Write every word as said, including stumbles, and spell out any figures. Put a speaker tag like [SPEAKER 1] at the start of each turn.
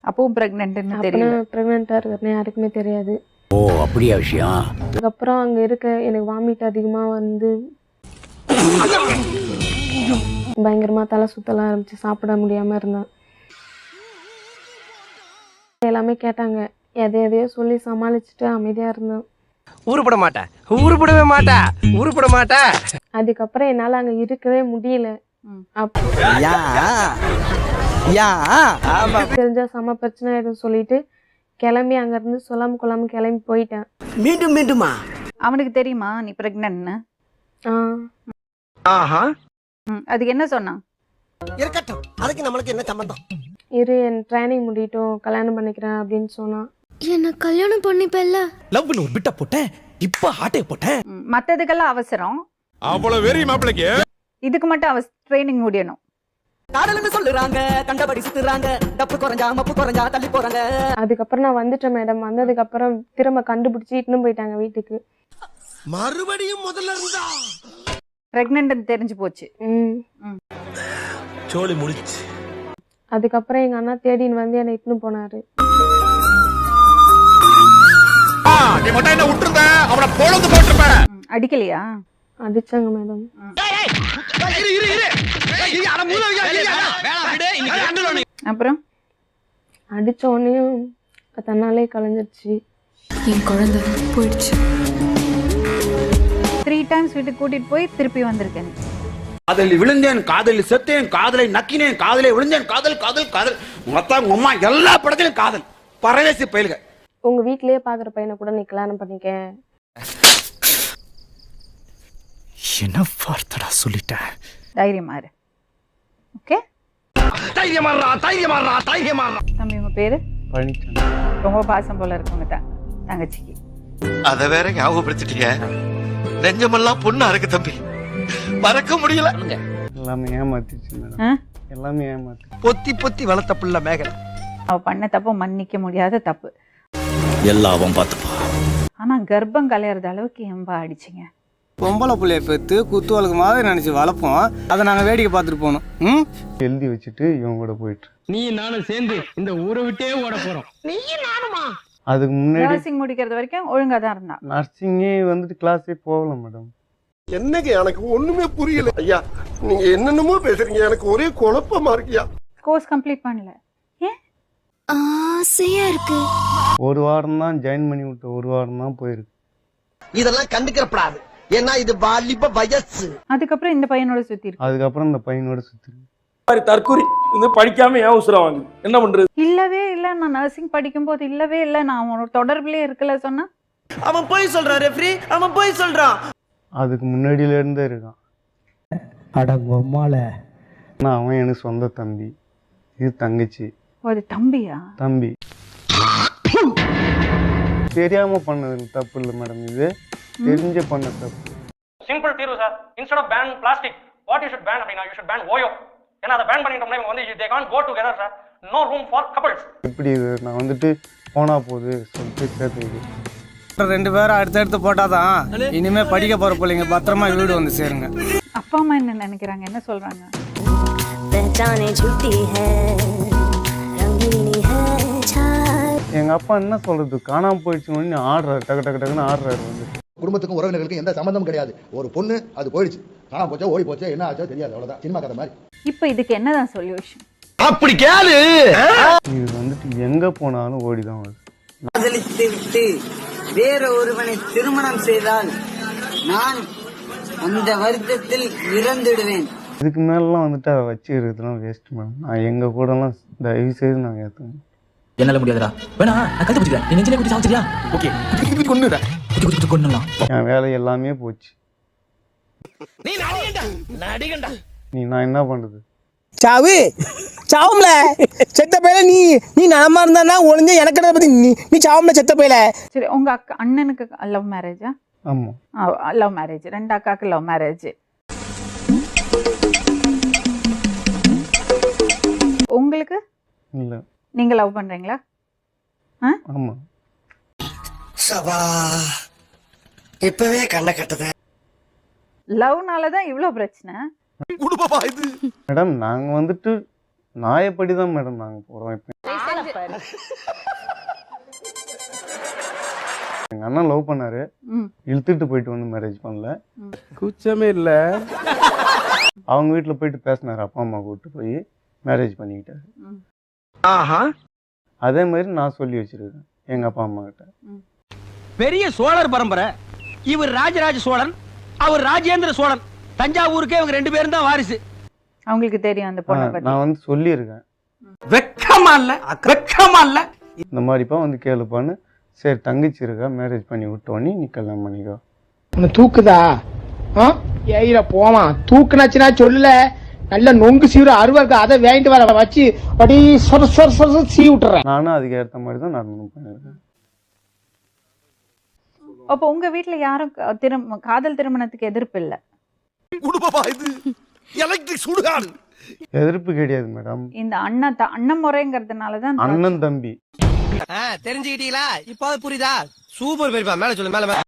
[SPEAKER 1] அப்பவும் பிரெக்னன்ட்னு தெரியல.
[SPEAKER 2] பிரெக்னெண்டா இருக்கிறேன்னு யாருக்குமே தெரியாது.
[SPEAKER 3] ஓ அப்படியா விஷயம்.
[SPEAKER 2] அதுக்கப்புறம் அங்க இருக்க எனக்கு வாமிட் அதிகமா வந்து பயங்கரமா தலை சுத்தலாம் ஆரம்பிச்சு, சாப்பிட முடியாம இருந்தேன். எல்லாமே கேட்டாங்க, எதை எதையோ சொல்லி சமாளிச்சுட்டு அமைதியா இருந்தேன்.
[SPEAKER 4] ஊருப்பட மாட்டேன் ஊருப்படவே மாட்டேன் ஊருப்பட மாட்டேன்.
[SPEAKER 2] அதுக்கப்புறம் என்னால அங்க இருக்கவே முடியல. தெரிஞ்சா செம பிரச்சனை ஆயிடும் சொல்லிட்டு கிளம்பி அங்க இருந்து சொல்லாம கொள்ளாம கிளம்பி போயிட்டேன்.
[SPEAKER 4] மீண்டும் மீண்டுமா?
[SPEAKER 1] அவனுக்கு தெரியுமா நீ பிரெக்னன்ட்னு?
[SPEAKER 4] ஆஹா.
[SPEAKER 1] அதுக்கு என்ன சொன்னான்?
[SPEAKER 4] இருக்கட்டும், அதுக்கு நம்மளுக்கு என்ன சம்பந்தம்?
[SPEAKER 2] இரு, என் ட்ரைனிங் முடியட்டும், கல்யாணம் பண்ணிக்கிறேன் அப்படின்னு சொன்னான்.
[SPEAKER 5] என்ன கல்யாணம் பண்ணிப்பல்ல.
[SPEAKER 6] லவ்னு ஒரு பிட்ட போட்டேன், இப்ப ஹார்ட்டே போட்டேன்.
[SPEAKER 1] மத்ததுக்கெல்லாம் அவசரம்,
[SPEAKER 6] அவ்வளவு வெறி மாப்பிளைக்கு.
[SPEAKER 1] இதுக்கு மட்டும் அவ ட்ரைனிங் முடியணும்.
[SPEAKER 7] காதல்னு சொல்லுறாங்க, கண்டபடி சுத்துறாங்க, டப்பு குறைஞ்சா மப்பு குறைஞ்சா தள்ளி போறாங்க.
[SPEAKER 2] அதுக்கப்புறம் நான் வந்துட்டேன் மேடம். வந்ததுக்கு அப்புறம் திரும்ப கண்டுபிடிச்சி இட்டுன்னு போயிட்டாங்க வீட்டுக்கு.
[SPEAKER 4] மறுபடியும் முதல்ல இருந்தா
[SPEAKER 1] பிரெக்னன்ட் தெரிஞ்சு போச்சு.
[SPEAKER 6] சோலி முடிச்சு.
[SPEAKER 2] அதுக்கப்புறம் எங்க அண்ணா தேடின்னு வந்து என்னை இட்டுன்னு போனாரு.
[SPEAKER 6] நீ மட்டும் என்ன விட்டுருந்த, அவனை பொழுது போட்டுருப்பேன்.
[SPEAKER 1] அடிக்கலையா?
[SPEAKER 2] அடிச்சாங்க மேடம்.
[SPEAKER 1] அப்புறம்
[SPEAKER 2] அடிச்ச உடனேயும் தன்னாலே கலைஞ்சிருச்சு.
[SPEAKER 5] என் குழந்தை போயிடுச்சு.
[SPEAKER 1] த்ரீ டைம்ஸ் வீட்டுக்கு கூட்டிட்டு போய் திருப்பி வந்திருக்கேன்.
[SPEAKER 3] காதலில் விழுந்தேன், காதலில் செத்தேன், காதலை நக்கினேன், காதலை விழுந்தேன், காதல் காதல் காதல் மொத்தம் அம்மா எல்லா படத்திலும் காதல். பரவேசி பயிலுக.
[SPEAKER 2] உங்க வீட்லயே பாக்குற பையனை கூட நீ கல்யாணம் பண்ணிக்க.
[SPEAKER 6] என்ன வார்த்தடா சொல்லிட்டேன்.
[SPEAKER 1] தைரியமா இரு. ஓகே,
[SPEAKER 4] தைரியமாறா தைரியமாறா தைரியமாறா.
[SPEAKER 1] தம்பி உங்க பேரு?
[SPEAKER 8] பழனிசாமி.
[SPEAKER 1] ரொம்ப பாசம் போல இருக்குங்க தான் தங்கச்சிக்கு.
[SPEAKER 9] அத வேற ஞாபகப்படுத்திட்டீங்க. நெஞ்சமெல்லாம் பொண்ணா இருக்கு தம்பி, மறக்க முடியல.
[SPEAKER 8] எல்லாமே ஏமாத்திச்சு மேடம், எல்லாமே ஏமாத்தி.
[SPEAKER 4] பொத்தி பொத்தி வளர்த்த புள்ள மேகலை.
[SPEAKER 1] அவ பண்ண தப்பு மன்னிக்க முடியாத தப்பு.
[SPEAKER 3] எல்லாம் அவன் பார்த்துப்பா.
[SPEAKER 1] ஆனா கர்ப்பம் கலையறது அளவுக்கு எம்பா அடிச்சிங்க.
[SPEAKER 10] பொம்பளை பிள்ளைய பெற்று குத்து வழக்கு மாதிரி நினைச்சு வளர்ப்போம், அதை நாங்க வேடிக்கை பார்த்துட்டு போனோம். ம்
[SPEAKER 8] எழுதி வச்சுட்டு இவன் கூட போயிட்டு
[SPEAKER 7] நீ நானும் சேர்ந்து இந்த ஊரை விட்டே ஓட போறோம்.
[SPEAKER 4] நீயும் நானுமா?
[SPEAKER 8] அதுக்கு முன்னாடி
[SPEAKER 1] நர்சிங் முடிக்கிறது வரைக்கும் ஒழுங்கா தான் இருந்தா.
[SPEAKER 8] நர்சிங்கே வந்துட்டு கிளாஸே போகல மேடம்.
[SPEAKER 4] என்னங்க எனக்கு ஒண்ணுமே புரியல ஐயா. நீங்க என்னென்னமோ பேசுறீங்க, எனக்கு ஒரே குழப்பமா இருக்கியா.
[SPEAKER 1] கோர்ஸ் கம்ப்ளீட் பண்ணல. ஏன்?
[SPEAKER 5] ஆசையா இருக்கு.
[SPEAKER 8] ஒரு வாரம் தான் ஜாயின் பண்ணி விட்டு, ஒரு வாரம் தான் போயிருக்கு.
[SPEAKER 4] இதெல்லாம் கண்டுக்கிறப்படாது, ஏன்னா இது வாலிப வயசு.
[SPEAKER 1] அதுக்கப்புறம் இந்த பையனோட சுத்தி இருக்கு.
[SPEAKER 8] அதுக்கப்புறம் இந்த பையனோட சுத்தி
[SPEAKER 11] தற்கூரி இந்த படிக்காம ஏன் உசுரா வாங்குது, என்ன பண்றது?
[SPEAKER 1] இல்லவே இல்ல, நான் நர்சிங் படிக்கும் போது இல்லவே இல்ல, நான் அவனோட தொடர்புலயே இருக்கல சொன்னா.
[SPEAKER 7] அவன் போய் சொல்றான் ரெஃப்ரி, அவன் போய் சொல்றான்.
[SPEAKER 8] அதுக்கு முன்னாடியில இருந்தே இருக்கான்.
[SPEAKER 10] அடங்கம்மால
[SPEAKER 8] ஆனா அவன் எனக்கு சொந்த தம்பி, இது தங்கச்சி.
[SPEAKER 1] அது தம்பியா?
[SPEAKER 8] தம்பி. தெரியாம பண்ணது தப்பு இல்லை மேடம், இது தெரிஞ்ச பண்ண தப்பு.
[SPEAKER 11] சிம்பிள் தீர்வு sir. Instead of ban plastic, what you should ban அப்படினா யூ ஷுட் பேன் ஓயோ. ஏன்னா அதை பேன் பண்ணிட்டோம்னா இவங்க வந்து they can't go together sir. no room for couples.
[SPEAKER 8] எப்படி இது நான் வந்துட்டு போனா போகுது சொல்லிட்டு சேர்த்து
[SPEAKER 10] ரெண்டு பேரும் அடுத்தடுத்து போட்டாதான் இனிமே படிக்க போற பிள்ளைங்க பத்திரமா வீடு வந்து சேருங்க.
[SPEAKER 1] அப்பா அம்மா என்ன நினைக்கிறாங்க, என்ன சொல்றாங்க?
[SPEAKER 8] எங்க அப்பா என்ன சொல்றது, காணாம போயிடுச்சு ஆடுறாரு, டக்கு டக்கு டக்குன்னு ஆடுறாரு. வந்து
[SPEAKER 12] குடும்பத்துக்கும் உறவினர்களுக்கும் எந்த சம்பந்தமும் கிடையாது. ஒரு பொண்ணு அது போயிடுச்சு, காணாம போச்சோ ஓடி போச்சோ என்ன ஆச்சோ தெரியாது, அவ்வளவுதான். சினிமா கதை மாதிரி.
[SPEAKER 1] இப்போ இதுக்கு என்னதான் சொல்யூஷன்?
[SPEAKER 4] அப்படி கேளு.
[SPEAKER 8] இது வந்துட்டு எங்க போனாலும் ஓடிதான் வருது.
[SPEAKER 7] காதலித்து விட்டு வேற ஒருவனை திருமணம் செய்தால் நான் அந்த வருத்தத்தில் இறந்துடுவேன்.
[SPEAKER 8] இதுக்கு மேலாம் வந்துட்டு அதை வச்சுக்கிறதுலாம் வேஸ்ட் மேடம். நான் எங்க கூடலாம் தயவு செய்து நாங்கள் ஏற்றுவேன்.
[SPEAKER 7] என்னால முடியாதுடா, வேணா நான் கழுத்து பிடிக்கிறேன், நீ நெஞ்சிலே குட்டி சாப்பிடுறியா? ஓகே, கொன்னுடா, குட்டி குட்டி கொன்னலாம்.
[SPEAKER 8] என் வேலை எல்லாமே போச்சு.
[SPEAKER 4] நீ நடிகண்டா நடிகண்டா.
[SPEAKER 8] நீ நான் என்ன பண்றது?
[SPEAKER 7] சாவு சாவும்ல செத்த பையல. நீ நீ நலமா இருந்தா ஒளிஞ்ச எனக்கு பத்தி நீ நீ சாவும்ல செத்த பையல.
[SPEAKER 1] சரி, உங்க அக்கா அண்ணனுக்கு லவ் மேரேஜா?
[SPEAKER 8] ஆமா,
[SPEAKER 1] லவ் மேரேஜ். ரெண்டு அக்காக்கு லவ் மேரேஜ். உங்களுக்கு
[SPEAKER 8] இல்ல,
[SPEAKER 1] நீங்க லவ் பண்றீங்களா?
[SPEAKER 8] ஆமா.
[SPEAKER 4] சபா இப்பவே கண்ண கட்டத.
[SPEAKER 1] லவ்னால தான் இவ்ளோ பிரச்சனை.
[SPEAKER 8] மேடம் நாங்க வந்துட்டு நான் எப்படி தான் மேடம் நாங்கள் போகிறோம். இப்போ எங்கள் அண்ணன் லவ் பண்ணாரு,
[SPEAKER 1] ம்.
[SPEAKER 8] இழுத்துட்டு போயிட்டு வந்து மேரேஜ் பண்ணல.
[SPEAKER 7] கூச்சமே இல்லை.
[SPEAKER 8] அவங்க வீட்டில் போயிட்டு பேசினாரு, அப்பா அம்மா கூப்பிட்டு போய் மேரேஜ் பண்ணிக்கிட்டாரு.
[SPEAKER 7] ஆஹா.
[SPEAKER 8] அதே மாதிரி நான் சொல்லி வச்சிருக்கேன் எங்கள் அப்பா அம்மா கிட்ட.
[SPEAKER 7] பெரிய சோழர் பரம்பரை. இவர் ராஜராஜ சோழன், அவர் ராஜேந்திர சோழன். தஞ்சாவூருக்கே இவங்க ரெண்டு பேரும் தான் வாரிசு.
[SPEAKER 1] அவங்களுக்கு தெரியும் அந்த பொண்ணை பத்தி.
[SPEAKER 8] நான் வந்து சொல்லியிருக்கேன்,
[SPEAKER 7] வெக்கமா இல்ல, வெக்கமா இல்ல.
[SPEAKER 8] இந்த மாதிரிப்பா வந்து கேளுப்பான்னு. சரி தங்கச்சி இருக்கா, மேரேஜ் பண்ணி விட்டோன்னே நீ கல்யாணம் பண்ணிக்கோ.
[SPEAKER 7] உன்னை தூக்குதா? ஏயில போமா தூக்குனாச்சுன்னா சொல்லல. நல்ல நொங்கு சீவிர அருவா இருக்கு, அதை வாங்கிட்டு வர வச்சு அப்படி சொர சொர சொர சீ விட்டுறேன்.
[SPEAKER 8] நானும் அதுக்கு ஏற்ற மாதிரி தான் நான் பண்ணியிருக்கேன்.
[SPEAKER 1] அப்போ உங்க வீட்ல யாரும் க- திரும் காதல் திருமணத்துக்கு எதிர்ப்பு இல்ல?
[SPEAKER 8] எதிர்ப்பு கிடையாது மேடம்.
[SPEAKER 1] இந்த அண்ணன் த- அண்ணன் முறைங்கிறதுனாலதான்
[SPEAKER 8] அண்ணன் தம்பி
[SPEAKER 7] தெரிஞ்சுக்கிட்டீங்களா? இப்போ புரியுதா? சூப்பர் பெரியப்பா, மேல சொல்லு மேல மேல.